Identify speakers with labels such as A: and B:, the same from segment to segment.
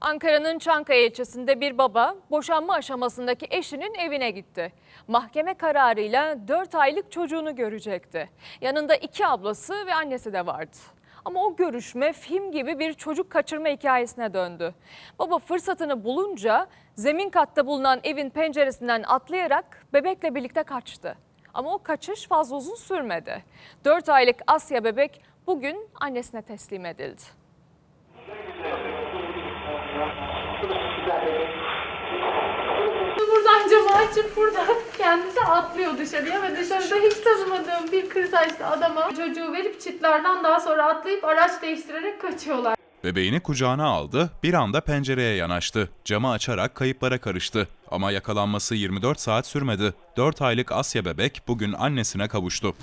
A: Ankara'nın Çankaya ilçesinde bir baba boşanma aşamasındaki eşinin evine gitti. Mahkeme kararıyla 4 aylık çocuğunu görecekti. Yanında 2 ablası ve annesi de vardı. Ama o görüşme film gibi bir çocuk kaçırma hikayesine döndü. Baba fırsatını bulunca zemin katta bulunan evin penceresinden atlayarak bebekle birlikte kaçtı. Ama o kaçış fazla uzun sürmedi. 4 aylık Asya bebek bugün annesine teslim edildi.
B: Buradan camı açıp buradan kendisi atlıyor dışarıya ve dışarıda hiç tanımadığım bir kır saçlı adama çocuğu verip çitlerden daha sonra atlayıp araç değiştirerek kaçıyorlar.
C: Bebeğini kucağına aldı, bir anda pencereye yanaştı. Camı açarak kayıplara karıştı. Ama yakalanması 24 saat sürmedi. 4 aylık Asya bebek bugün annesine kavuştu.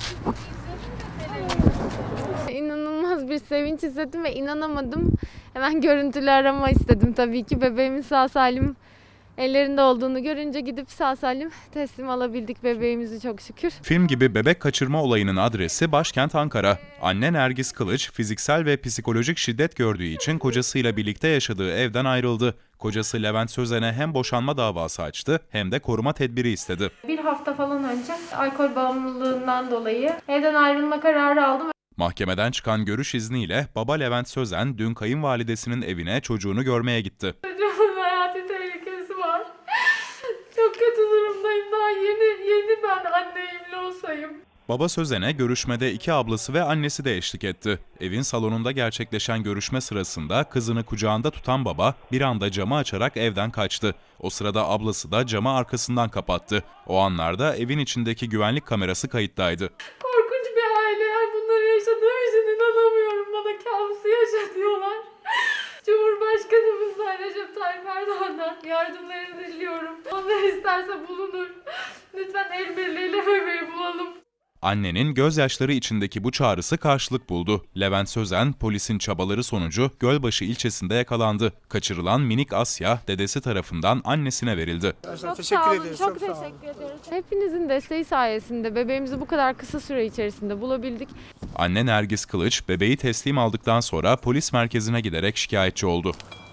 B: İnanılmaz bir sevinç hissettim ve inanamadım. Hemen görüntülü arama istedim tabii ki. Bebeğimin sağ salim ellerinde olduğunu görünce gidip sağ salim teslim alabildik bebeğimizi çok şükür.
C: Film gibi bebek kaçırma olayının adresi başkent Ankara. Anne Nergis Kılıç fiziksel ve psikolojik şiddet gördüğü için kocasıyla birlikte yaşadığı evden ayrıldı. Kocası Levent Sözen'e hem boşanma davası açtı hem de koruma tedbiri istedi.
B: Bir hafta falan önce alkol bağımlılığından dolayı evden ayrılma kararı aldım.
C: Mahkemeden çıkan görüş izniyle baba Levent Sözen dün kayınvalidesinin evine çocuğunu görmeye gitti.
B: Çocuğumun hayati tehlikesi var. Çok kötü durumdayım. Daha yeni ben anneyimle olsayım.
C: Baba Sözen'e görüşmede 2 ablası ve annesi de eşlik etti. Evin salonunda gerçekleşen görüşme sırasında kızını kucağında tutan baba bir anda camı açarak evden kaçtı. O sırada ablası da camı arkasından kapattı. O anlarda evin içindeki güvenlik kamerası kayıttaydı.
B: Korkunç bir aile. Yani bunları yaşadığım için inanamıyorum. Bana kabusu yaşatıyorlar. Cumhurbaşkanımızdan Recep Tayyip Erdoğan'dan yardımlarını diliyorum. Allah isterse bulunur. Lütfen el birliğiyle bebeği bulalım.
C: Annenin gözyaşları içindeki bu çağrısı karşılık buldu. Levent Sözen, polisin çabaları sonucu Gölbaşı ilçesinde yakalandı. Kaçırılan minik Asya, dedesi tarafından annesine verildi.
B: Çok teşekkür ederiz. Çok teşekkür ediyoruz. Hepinizin desteği sayesinde bebeğimizi bu kadar kısa süre içerisinde bulabildik.
C: Anne Nergis Kılıç, bebeği teslim aldıktan sonra polis merkezine giderek şikayetçi oldu.